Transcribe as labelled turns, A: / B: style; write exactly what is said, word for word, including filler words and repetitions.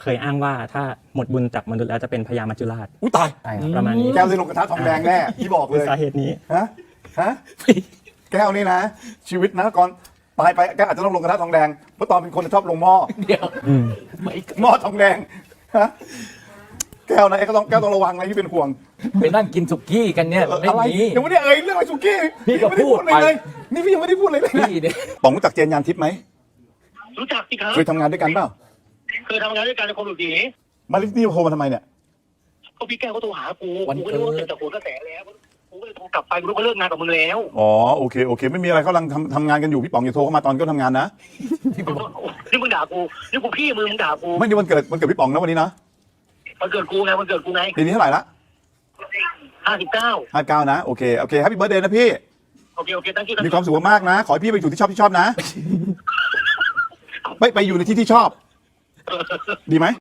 A: เคยอ้างว่าถ้าหมดบุญจากมนุษย์แล้วจะเป็นพญามัจจุราช
B: อุ้ยตาย
A: ใช่ครับประมาณนี้
C: แก้วได้ลงกระทะทองแดงแน่พี่บอกเลย
A: สาเหตุนี้
C: ฮะฮะแก้วนี่นะ ชีวิตนะก่อนตายไปแก้วอาจจะต้องลงกระทะทองแดงเพราะตอนเป็นคนชอบลงหม้อ
B: เดี๋ยว
A: อืม
B: ไม่
C: หม้อทองแดงฮะแก้วนะไอ้ก็ต้องแก้วต้องระวังนะที่เป็นห่วง
B: ไปนั่งกินสุกี้กันเนี่ย
C: เออ
B: ไม่
C: อะไร
B: มี
C: ยังไม่ได้เอ่ยเรื่องอะไรสุกี้
B: พี่ก็
C: ยังไม่ได้
B: พูด
C: เลย
B: ไป
C: เลยนี่พี่ยังไม่ได้พูดเลยเลยนะ
B: พี่เนี่ย
C: ป๋องรู้จักเจนยานทิพย์ไหม
D: รู้จักสิครับ
C: เคยทำงานด้วยกันเปล่า
D: เคยทำงานด้วยกันในคนหลุดหนี
C: มาลิสนี่โทรมาทำไมเนี่ย
D: ก็พี่แก้วก็โทรหากูกูก็รู้ว่าเกิดจากหัวกระแสแล้วกูก็เลยโทรกลับไปกูรู้ว่าเลิกงานกับมึงแล้ว
C: อ๋อโอเคโอเคไม่มีอะไรเขากำลังทำทำงานกันอยู่พี่ป๋องอย่าโทรเข้ามาตอนก็ทำงานนะ
D: นี่มึงด่ากูนี่กูพี่มึงมึงด่ากู
C: ไม่นี่วันเกิดวันเกิดพี่ป๋องนะวันนี้นะ
D: มันเกิดกูไงมันเกิดกูไง
C: ปีนี้เท่าไหร่ละ
D: ห้าสิบเก้า
C: ห้าเก้านะโอเคโอเคแฮปปี้เบิร์ดเดย์นะพี่
D: โอเคโอเคตั้งชื่อ
C: มีความสุขมากๆนะ ขอให้พี่ไปอยู่ที่ชอบที่ชอบนะ ไปไปอยู่ในที่ที่ชอบ ดีไหม